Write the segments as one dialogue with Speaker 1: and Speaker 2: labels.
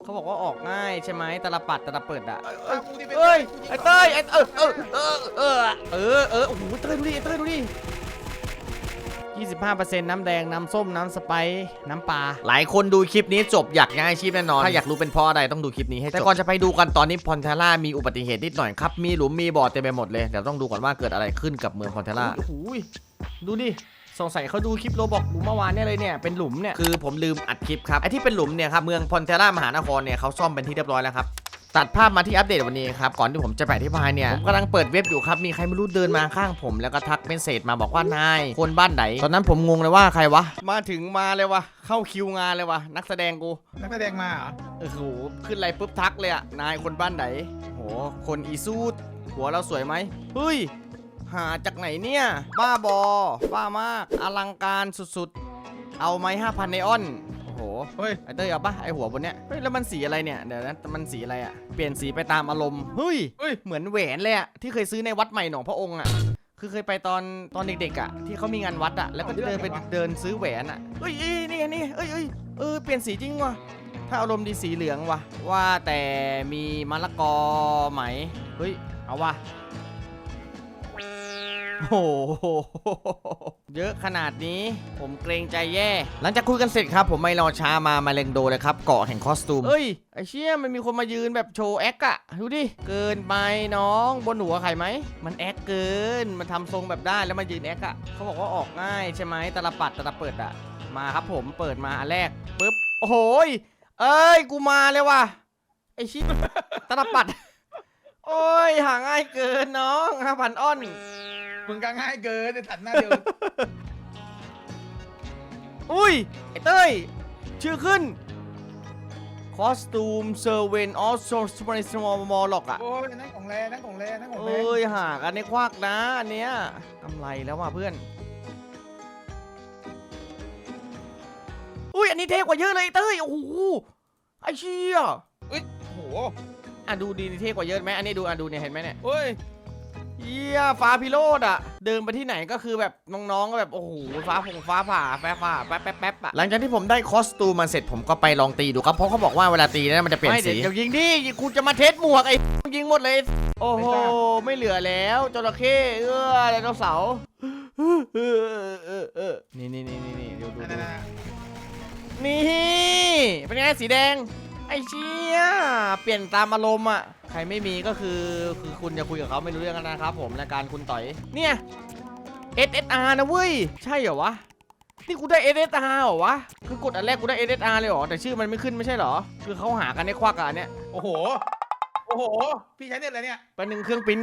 Speaker 1: เขาบอกว่าออกง่ายใช่ไหมตาลปัดตาลเปิดอะ
Speaker 2: เอ้ย
Speaker 1: ไอ้เต้ยโอ้โหเต้ยดูดิเต้ยดูดิ25%น้ำแดงน้ำส้มน้ำสไปซ์น้ำปลาหลายคนดูคลิปนี้จบอยากย้ายอาชีพแน่นอนถ้าอยากรู้เป็นเพราะอะไรต้องดูคลิปนี้ให้จบแต่ก่อนจะไปดูกันตอนนี้พอนเทล่ามีอุบัติเหตุนิดหน่อยครับมีหลุมมีบ่อเต็มไปหมดเลยเดี๋ยวต้องดูก่อนว่าเกิดอะไรขึ้นกับเมืองพอนเทล่าโอ้โหดูดิสงสัยเขาดูคลิปโรบอกเมื่อวานเนี่ยเลยเนี่ยเป็นหลุมเนี่ยคือผมลืมอัดคลิปครับไอที่เป็นหลุมเนี่ยครับเมืองพอนเทล่ามหานครเนี่ยเขาซ่อมเป็นที่เรียบร้อยแล้วครับตัดภาพมาที่อัปเดตวันนี้ครับก่อนที่ผมจะไปอธิบายเนี่ยผมกำลังเปิดเว็บอยู่ครับมีใครไม่รู้เดินมาข้างผมแล้วก็ทักเมสเซจมาบอกว่านายคนบ้านไหนตอนนั้นผมงงเลยว่าใครวะมาถึงมาเลยวะเข้าคิวงานเลยวะนักแสดงกู
Speaker 2: นักแสดงมาเหรอ
Speaker 1: โอ้โหขึ้นอะไรปุ๊บทักเลยอะนายคนบ้านไหนโหคนอีซูดหัวเราสวยไหมเฮ้ยหาจากไหนเนี่ยบ้าบอบ้ามากอลังการสุดๆเอาไหม5,000ไนออนโอ้โห
Speaker 2: เฮ้ย
Speaker 1: ไอเต้ยเอาปะไอหัวบนเนี้ยเฮ้ยแล้วมันสีอะไรเนี่ยเดี๋ยวนะมันสีอะไรอะเปลี่ยนสีไปตามอารมณ์เฮ้ยเหมือนแหวนเลยอะที่เคยซื้อในวัดใหม่หนองพระองค์อะคือเคยไปตอนเด็กๆอะที่เขามีงานวัดอะแล้วก็เดินไปเดินซื้อแหวนอะเฮ้ยนี่เอ้ยเปลี่ยนสีจริงว่ะถ้าอารมณ์ดีสีเหลืองว่ะว่าแต่มีมะละกอไหมเฮ้ยเอาว่ะโอ้โหเยอะขนาดนี้ผมเกรงใจแย่หลังจากคุยกันเสร็จครับผมไม่รอช้ามาเลงโดเลยครับเกาะแห่งคอสตูมเฮ้ยไอเชี่ยมันมีคนมายืนแบบโชว์แอคอะดูดิเกินไปน้องบนหัวใครไหมมันแอคเกินมันทำทรงแบบได้แล้วมายืนแอคอะเขาบอกว่าออกง่ายใช่ไหมตาลปัดตาลเปิดอะมาครับผมเปิดมาอันแรกปึ๊บโอ้โหเอ้ยกูมาเลยว่ะไอชิตาลปัดโอ้ยหาง่ายเกินน้อง5,000อ้อน
Speaker 2: มึงก็ง่ายเกินจะตัดหน้าเดียว
Speaker 1: อุ้ยไอ้เต้ยชื่อขึ้นคอสตูมเซอร์เวนออสโซสปริสมอลมอลล็อกอะ
Speaker 2: โอ้ยนั่นของแรนั่นของแรนั่นของแร
Speaker 1: เอ้ยหากันในควักนะอันเนี้ยกำไรแล้วว่ะเพื่อนอุ้ยอันนี้เท่กว่าเยอะเลยเต้ยโอ้โหไอ้เชี่ย
Speaker 2: เอ้ยโอ้โห
Speaker 1: อ่ะดูดีเท่กว่าเยอะไหมอันนี้ดูอ่ะดูเนี่ยเห็นไหมเนี่ย
Speaker 2: เฮ้ย
Speaker 1: เยี่ยฟ้าพิโรธอ่ะเดินไปที่ไหนก็คือแบบน้องๆก็แบบโอ้โหฟ้าผ่าแป๊บอ่ะหลังจากที่ผมได้คอสตูมมาเสร็จผมก็ไปลองตีดูครับเพราะเขาบอกว่าเวลาตีเนี่ยมันจะเปลี่ยนสีเดี๋ยวยิงดิคุณจะมาเทสหมวกไอ้ยิงหมดเลยโอ้โหไม่เหลือแล้วจระเข้ไดโนเสาร์นี่ดู
Speaker 2: นั่น
Speaker 1: นี่เป็นไงสีแดงไอ้เชี่ยเปลี่ยนตามอารมณ์อ่ะใครไม่มีก็คือคุณจะคุยกับเขาไม่รู้เรื่องกันนะครับผมรายการคุณต่อยเนี่ย SSR นะเว้ยใช่เหรอวะนี่กูได้ SSR เหรอวะคือกดอันแรกกูได้ SSR เลยเหรอแต่ชื่อมันไม่ขึ้นไม่ใช่เหรอคือเขาหากันในควักอ่ะเนี่ย
Speaker 2: โอ้โหพี่ใช้เน็ตอะไรเนี่ย
Speaker 1: เป็นหนึ่งเครื่องปิ้น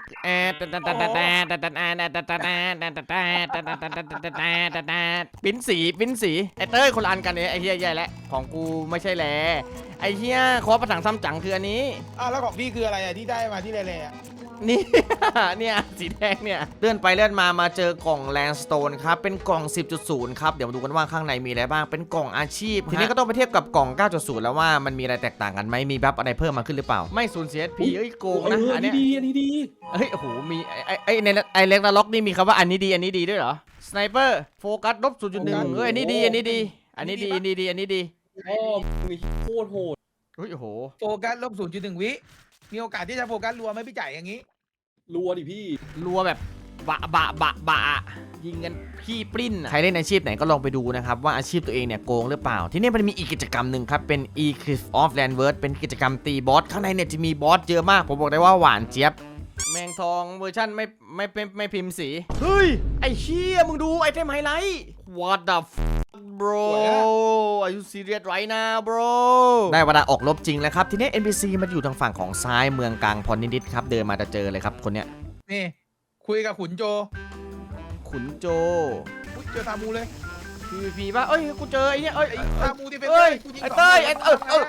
Speaker 1: ปิ้นสีไอ้เต้ยคนละอันกันเนี่ยไอ้เฮียใหญ่แล้วของกูไม่ใช่แลไอ้เฮียคอประถังซ้ำจังคืออันนี้
Speaker 2: อ้าวแล้วของพี่คืออะไรอ่ะที่ได้มาที่แร่ๆอ่ะ
Speaker 1: นี่ เนี่ยสีแดงเนี่ยเลื่อนไปเลื่อนมาเจอกล่องแลนด์สโตนครับเป็นกล่อง 10.0 ครับเดี๋ยวมาดูกันว่าข้างในมีอะไรบ้างเป็นกล่องอาชีพทีนี้ก็ต้องไปเทียบกับกล่อง 9.0 แล้วว่ามันมีอะไรแตกต่างกันไหมมีบัฟอะไรเพิ่มมาขึ้นหรือเปล่าไม่สูญเสียพีเอ้ยโกงนะอันนี้
Speaker 3: ดี
Speaker 1: เฮ้ยโอ้โหมีในไอเล็กนาล็อกนี่มีคำว่าอันนี้ดีด้วยเหรอสไนเปอร์โฟกัสลบ 0.1 เฮ้ยอันนี้ดีอันนี้ดี
Speaker 3: โอ้มีโคตรโหด
Speaker 1: เฮ้ยโอ้โห
Speaker 2: โฟกัสลบ 0.1 วิมีโอกาสที่จะโฟกัสรัวไหมพี่จ่ายอย่างนี้
Speaker 3: รัวดิพี่
Speaker 1: รัวแบบบะยิงกันพี่ปริ้นใครเล่นอาชีพไหนก็ลองไปดูนะครับว่าอาชีพตัวเองเนี่ยโกงหรือเปล่าที่นี่มันมีอีกกิจกรรมหนึ่งครับเป็น Eclipse of Landverse เป็นกิจกรรมตีบอสข้างในเนี่ยจะมีบอสเยอะมากผมบอกได้ว่าหวานเจี๊ยบแมงทองเวอร์ชั่นไม่พิมพ์สีเฮ้ยไอ้เชี่ยมึงดูไอเทมไฮไลท์ What the bro Are you serious right now bro ได้เวลาออกรบจริงแล้วครับทีนี้ NPC มันอยู่ทางฝั่งของซ้ายเมืองกลางพรนิดๆครับเดินมาจะเจอเลยครับคนเนี้ย
Speaker 2: นี่คุยกับขุนโจ
Speaker 1: ขุนโจ
Speaker 2: เจอตามูเลย
Speaker 1: PVP ป่ะเอ้ยกูเจอไอ้เนี่ย
Speaker 2: ตามูที่เป็น
Speaker 1: เอ้ย
Speaker 2: กูยิง
Speaker 1: ไอ้
Speaker 2: สอง
Speaker 1: เต้ย
Speaker 2: ตัว
Speaker 1: ไอ้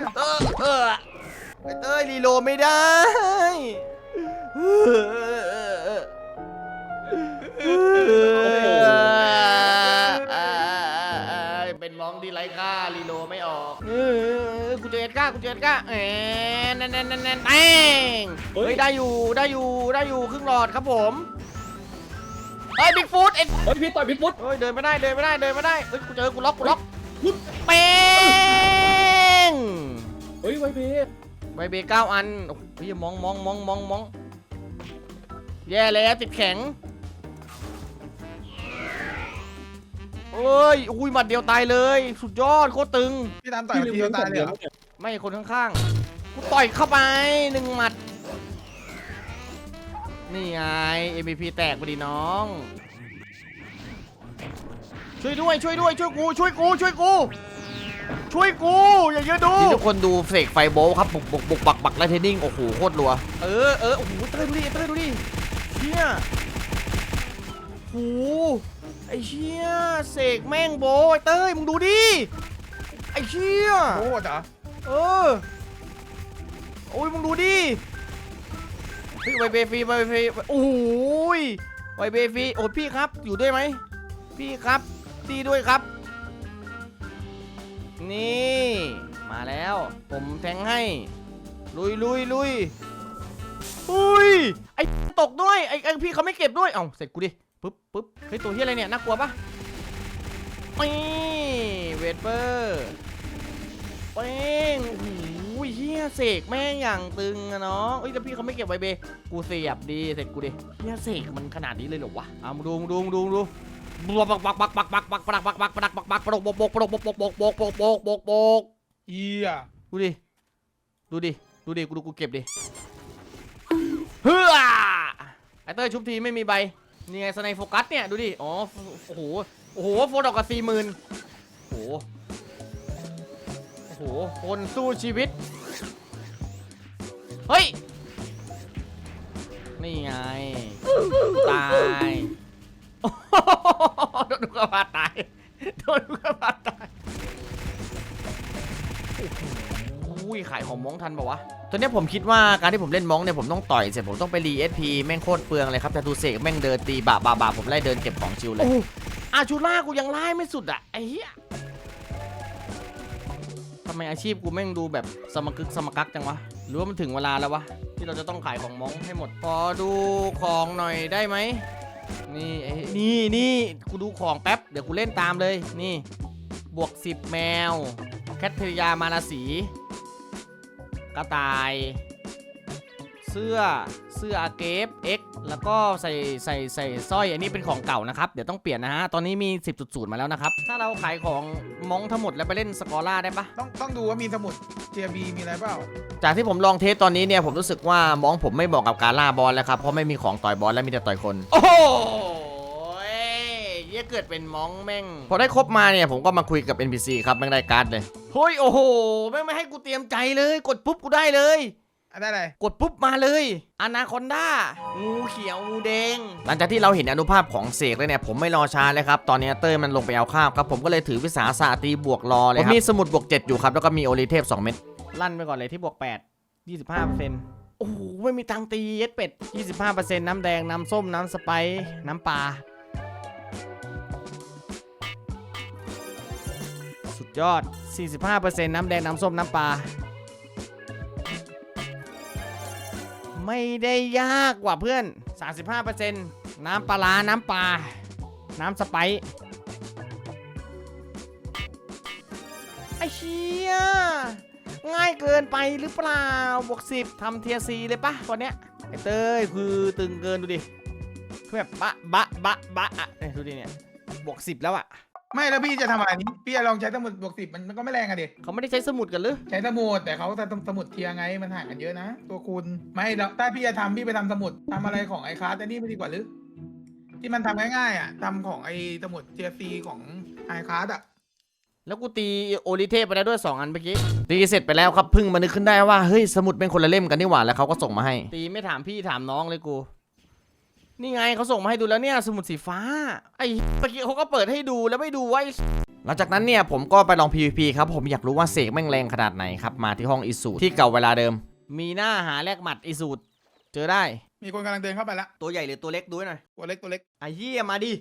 Speaker 1: ไอ้เต้ยรีโหลดไม่ได้เป็นมองดีไรก้ารีโหลดไม่ออกกูเจอเอ็ดก้านั่นแป้งเฮ้ยได้อยู่ครึ่งหลอดครับผมเฮ้ยบิ๊กฟูดเอ็ด
Speaker 3: เฮ้ยพี่ต่อยพี่ปุ๊ด
Speaker 1: เฮ้ยเดินไม่ได้เฮ้ยกูเจอกูล็อกเป้ง
Speaker 3: เฮ้ยไวเบส
Speaker 1: ใบเบ9 อันโอ้ยมองแย่แล้วติดแข็งเอ้ยอุ้ยหมัดเดียวตายเลยสุดยอดโคตรตึง
Speaker 2: พี่ตามต่อยทีเดียวตายเลยเหรอ
Speaker 1: ไม่คนข้างๆกูต่อยเข้าไป1 หมัดนี่ไง MVP แตกไปดิน้องช่วยด้วยช่วยกูอย่าเยอะดูที่ทุกคนดูเสกไฟโบว์ครับบุกบักไลท์เทนนิ่งโอ้โหโคตรรัวโอ้โหเต้ยดูดิเชี่ยโอ้โหไอ้เชี่ยเสกแม่งโบว์ไอ้เต้ยมึงดูดิไอ้เชี่ย
Speaker 2: โอ้จ๋า
Speaker 1: โอ้ยมึงดูดิเฮ้ยไวเบฟรีโอ้ยไวเบฟรีโอ้ยพี่ครับอยู่ด้วยไหมพี่ครับตีด้วยครับนี่มาแล้วผมแทงให้ลุยอุ้ยไอ้ตกด้วยไอ้พี่เขาไม่เก็บด้วยเอ้าเสร็จกูดิปึ๊บเฮ้ยตัวเฮียอะไรเนี่ยน่ากลัวปะนี่เวทเปอร์เป้งโอ้ยเฮียเสกแม่งอย่างตึงอะน้องเอ้ยแต่พี่เขาไม่เก็บไวเบกูเสียบดีเสร็จกูดิเฮียเสกมันขนาดนี้เลยเหรอวะเอามาดูบัก
Speaker 2: เฮีย
Speaker 1: ดูดิกูเก็บดิเฮ้อไอเต้ยชุบทีไม่มีใบนี่ไงสไนโฟกัสเนี่ยดูดิอ๋อโอ้โหโฟดอกกับ40,000โอ้โหคนสู้ชีวิตเฮ้ยนี่ไงตายโดนลูกกระบาดตายอุ้ยขายของม้องทันป่าวะตอนนี้ผมคิดว่าการที่ผมเล่นม้องเนี่ยผมต้องต่อยเสร็จผมต้องไปรีSPแม่งโคตรเปลืองเลยครับแต่ดูเสกแม่งเดินตีบะผมไล่เดินเก็บของชิวเลยอาชูล่ากูยังไล่ไม่สุดอ่ะไอ้เหี้ยทำไมอาชีพกูแม่งดูแบบสมกักจังวะหรือว่ามันถึงเวลาแล้ววะที่เราจะต้องขายของม้องให้หมดพอดูของหน่อยได้ไหมนี่กูดูของแป๊บเดี๋ยวกูเล่นตามเลยนี่บวก10แมวแคทเธอรียามาราศีกระต่ายเสื้ออาเกฟ X แล้วก็ใส่สร้อยอันนี้เป็นของเก่านะครับเดี๋ยวต้องเปลี่ยนนะฮะตอนนี้มี 10.0 มาแล้วนะครับถ้าเราขายของม้องทั้งหมดแล้วไปเล่นสกอร่าได้ปะ
Speaker 2: ต้องดูว่ามีสมุดเจียบีมีอะไรเปล่า
Speaker 1: จากที่ผมลองเทสตอนนี้เนี่ยผมรู้สึกว่าม้องผมไม่เหมาะกับการล่าบอลแล้วครับเพราะไม่มีของต่อยบอลและมีแต่ต่อยคนโอ้โหเยี่ยเกิดเป็นม้องแม่งพอได้ครบมาเนี่ยผมก็มาคุยกับ NPC ครับแม่งได้การ์ดเลยเฮ้ยโอ้โหแม่งไม่ให้กูเตรียมใจเลยกดปุ๊บกูได้เลย
Speaker 2: ได้เลย
Speaker 1: กดปุ๊บมาเลยอนาคอนด้างูเขียวงูแดงหลังจากที่เราเห็นอนุภาพของเสกเลยเนี่ยผมไม่รอช้าเลยครับตอนนี้เต้ยมันลงไปเอาข้าวครับผมก็เลยถือวิสาสะตีบวกรอเลยครับผมมีสมุดบวก7อยู่ครับแล้วก็มีโอลิเทพ2 เม็ดลั่นไปก่อนเลยที่บวก8 25%โอ้โหไม่มีตังตีเย็ดเป็ด 25% น้ำแดงน้ำส้มน้ำสไปซ์น้ำปลาสุดยอด 45% น้ำแดงน้ำส้มน้ำปลาไม่ได้ยากกว่าเพื่อน 35% น้ำปลาน้ำปลาน้ำสไปซ์ไอ้เชี่ยง่ายเกินไปหรือเปล่าบวก10ทำเทียร์ซีเลยปะตอนเนี้ยไอ้เต้ยคือตึงเกินดูดิคือแบบบะอ่ะดูดิเนี่ยบวก10แล้วอ่ะ
Speaker 2: ไม่แล้วพี่จะทำอะไรนี้พี่จะลองใช้สมุดบวก10มันก็ไม่แรงอะดิ
Speaker 1: เขาไม่ได้ใช้สมุดกันหรือ
Speaker 2: ใช้สมุดแต่เขาสมุดเทียไงมันห่างกันเยอะนะตัวคุณไม่แล้วถ้าพี่จะทำพี่ไปทำสมุดทำอะไรของไอ้คลาสแต่นี่ไม่ดีกว่าหรือที่มันทำง่ายๆอ่ะทำของไอ้สมุดเทียซีของไอ้คลาสอ่ะ
Speaker 1: แล้วกูตีโอลิเทพไปแล้วด้วย2 อันเมื่อกี้ตีเสร็จไปแล้วครับพึ่งมานึกขึ้นได้ว่าเฮ้ยสมุดเป็นคนละเล่มกันนี่หว่าแล้วเขาก็ส่งมาให้ตีไม่ถามพี่ถามน้องเลยกูนี่ไงเขาส่งมาให้ดูแล้วเนี่ยสมุดสีฟ้าไอ้เมื่อกี้เขาก็เปิดให้ดูแล้วไม่ดูไว้หลังจากนั้นเนี่ยผมก็ไปลอง PVP ครับผมอยากรู้ว่าเสกแม่งแรงขนาดไหนครับมาที่ห้องอิสูที่เก่าเวลาเดิมมีหน้าหาแลกหมัดอิสูเจอได้
Speaker 2: มีคนกำลังเดินเข้าไปละ
Speaker 1: ตัวใหญ่หรือตัวเล็กดูหน่อย
Speaker 2: ตัวเล็ก
Speaker 1: ไอ้เหี้ยมาดิ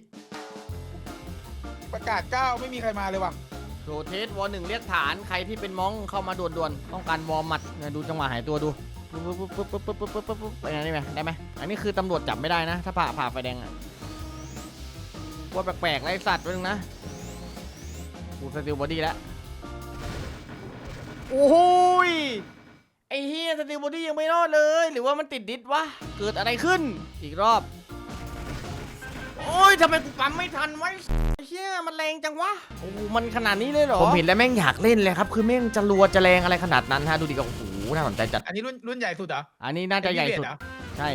Speaker 2: ประกาศ9ไม่มีใครมาเลยว่ะ
Speaker 1: โรเทสวอ1เรียกฐานใครที่เป็นม้องเข้ามาด่วนๆต้องการวอร์มัดดูจังหวะหายตัวดูไปไหนได้ไหมอันนี้คือตำรวจจับไม่ได้นะถ้าผ่าไฟแดงอ่ะว่าแปลกๆไรสัตว์นึงนะกูสติลบอดี้แล้วโอ้ยไอ้เฮียสตีลบอดี้ยังไม่รอดเลย หรือว่ามันติดดิสวะเกิดอะไรขึ้นอีกรอบโอ้ยทำไมกูปั๊มไม่ทันไว้เฮียมันแรงจังวะโอ้มันขนาดนี้เลยเหรอผมเห็นแล้วแม่งอยากเล่นเลยครับคือแม่งจะรัวจะแรงอะไรขนาดนั้นฮะดูดิก็โอ้โหน่าสนใจจัด
Speaker 2: อันนี้รุ่นใหญ่สุดเหรอ
Speaker 1: อันนี้น่าจะใหญ่สุด
Speaker 2: เหรอ
Speaker 1: ใช่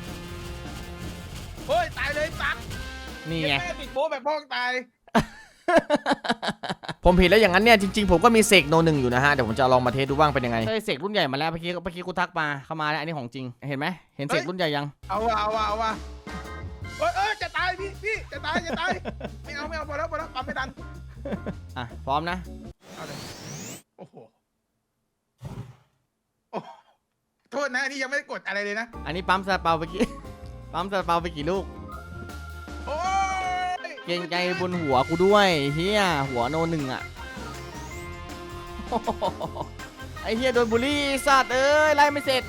Speaker 2: โอ้ยตายเลยปั๊บ
Speaker 1: นี่ไง
Speaker 2: แม่ติดโป๊ะแบบพ่องตาย
Speaker 1: ผมผิดแล้วอย่างนั้นเนี่ยจริงๆผมก็มีเสกโนหนึ่งอยู่นะฮะเดี๋ยวผมจะลองมาเทสดูบ้างเป็นยังไงได้เสกรุ่นใหญ่มาแล้วเมื่อกี้กูทักมาเข้ามาแล้วอันนี้ของจริงเห็นไหมเห็นเสกรุ่นใหญ่ยัง
Speaker 2: เอาว่ะเอ้ยจะตายพี่จะตายไม่เอาพอแล้วปั๊มไม่ทัน
Speaker 1: อ่ะพร้อมนะ
Speaker 2: เอาเลยโอ้โหโอ้โทษนะอันนี่ยังไม่ได้กดอะไรเลยนะ
Speaker 1: อันนี้ปั๊มซาเปาไปกี่ ปั๊มซาเปาไปกี่ลูก
Speaker 2: โอ้ย
Speaker 1: เกรงใจบนหัวกูด้วยเฮียหัวโนหนึ่งอ่ะ ไอเฮียโดนบูลลี่สัตว์เอ้ยไล่ไม่เสร็จ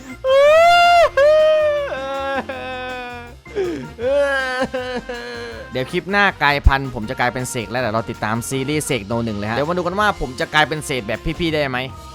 Speaker 1: เดี๋ยวคลิปหน้ากลายพันธุ์ผมจะกลายเป็นเสกแล้วเดี๋ยวเราติดตามซีรีส์เสกโนหนึ่งเลยฮะเดี๋ยวมาดูกันว่าผมจะกลายเป็นเสกแบบพี่ๆได้ไหม